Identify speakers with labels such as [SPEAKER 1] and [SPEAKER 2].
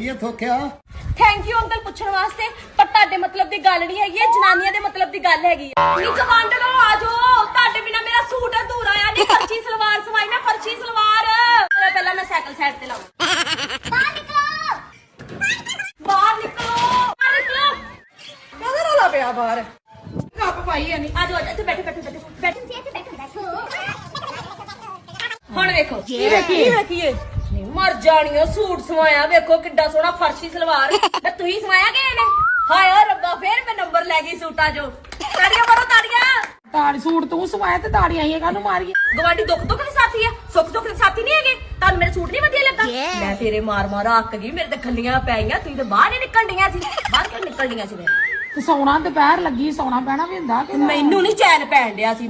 [SPEAKER 1] ਹੈ ਥੋਕਿਆ।
[SPEAKER 2] Thank you uncle ਪੁੱਛਣ ਵਾਸਤੇ, ਪਰ ਤੁਹਾਡੇ ਮਤਲਬ ਦੀ ਗੱਲ ਨਹੀਂ ਹੈਗੀ, ਜਨਾਨੀਆਂ ਦੇ ਮਤਲਬ ਦੀ ਗੱਲ ਹੈਗੀ ਆ। ਨੀ ਕਮਾਂਡ ਲੋ ਆ ਜਾਓ, ਤੁਹਾਡੇ ਬਿਨਾ ਮੇਰਾ ਸੂਟ ਅਧੂਰਾ ਆ। ਨਹੀਂ ਫਰਸ਼ੀ ਸਲਵਾਰ ਸਵਾਈ ਮੈਂ, ਫਰਸ਼ੀ ਸਲਵਾਰ। ਪਹਿਲਾਂ ਮੈਂ ਸਾਈਕਲ ਸਾਈਡ ਤੇ ਲਾਵਾਂ। ਬਾਹਰ ਨਿਕਲੋ, ਬਾਹਰ ਨਿਕਲੋ, ਬਾਹਰ ਨਿਕਲੋ।
[SPEAKER 3] ਕਾਹਦਾ ਰੌਲਾ ਪਿਆ ਬਾਹਰ? ਕੱਪ ਪਾਈ ਆ ਨਹੀਂ।
[SPEAKER 2] ਆ ਜਾਓ, ਇੱਥੇ ਬੈਠੋ ਬੈਠੋ ਬੈਠੋ ਬੈਠੋ। ਹੁਣ ਵੇਖੋ
[SPEAKER 3] ਕੀ ਵੇਖੀਏ?
[SPEAKER 2] ਮਰ ਜਾਣੀਓ, ਸੂਟ ਸਵਾਇਆ ਵੇਖੋ ਕਿੱਡਾ ਸੋਹਣਾ ਫਰਸ਼ੀ ਸਲਵਾਰ। ਤੇ ਤੁਸੀਂ ਸਵਾਇਆ ਕਿ ਇਹਨੇ? ਹਾਏ ਓ ਰੱਬਾ, ਫੇਰ ਮੈਂ ਨੰਬਰ ਲੈ ਗਈ ਸੂਟਾਂ ਚੋਂ। ਤਾੜੀਆਂ ਮਾਰੋ ਤਾੜੀਆਂ।
[SPEAKER 3] ਤਾੜੀ ਸੂਟ ਤੂੰ ਸਵਾਇਆ ਤੇ ਤਾੜੀਆਂ ਹੀ ਕਾਹਨੂੰ ਮਾਰੀਏ?
[SPEAKER 2] ਗਵਾਂਢੀ ਦੁੱਖ ਦੁੱਖ ਦੇ ਸਾਥੀ ਆ, ਸੁੱਖ ਦੁੱਖ ਦੇ ਸਾਥੀ ਨਹੀਂ ਹੈਗੇ। ਤੁਹਾਨੂੰ ਮੇਰੇ ਸੂਟ ਨਹੀਂ ਵਧੀਆ ਲੱਗਾ? ਮੈਂ ਤੇਰੇ ਮਾਰ ਮਾਰ ਅੱਕ ਗਈ, ਮੇਰੇ ਤੇ ਖੱਲੀਆਂ ਪੈ ਗਈਆਂ। ਤੁਸੀਂ ਤੇ ਬਾਹਰ ਨਹੀਂ ਨਿਕਲ ਡੀਆਂ ਸੀ। ਬਾਹਰ ਕਿਉਂ ਨਿਕਲ ਡੀਆਂ ਸੀ?
[SPEAKER 3] ਤੇ ਸੌਣਾ ਦੁਪਹਿਰ ਲੱਗੀ, ਸੌਣਾ ਪੈਣਾ ਵੀ ਹੁੰਦਾ ਕਿ
[SPEAKER 2] ਮੈਨੂੰ ਨਹੀਂ ਚੈਨ ਪੈਣ ਡਿਆ ਸੀ।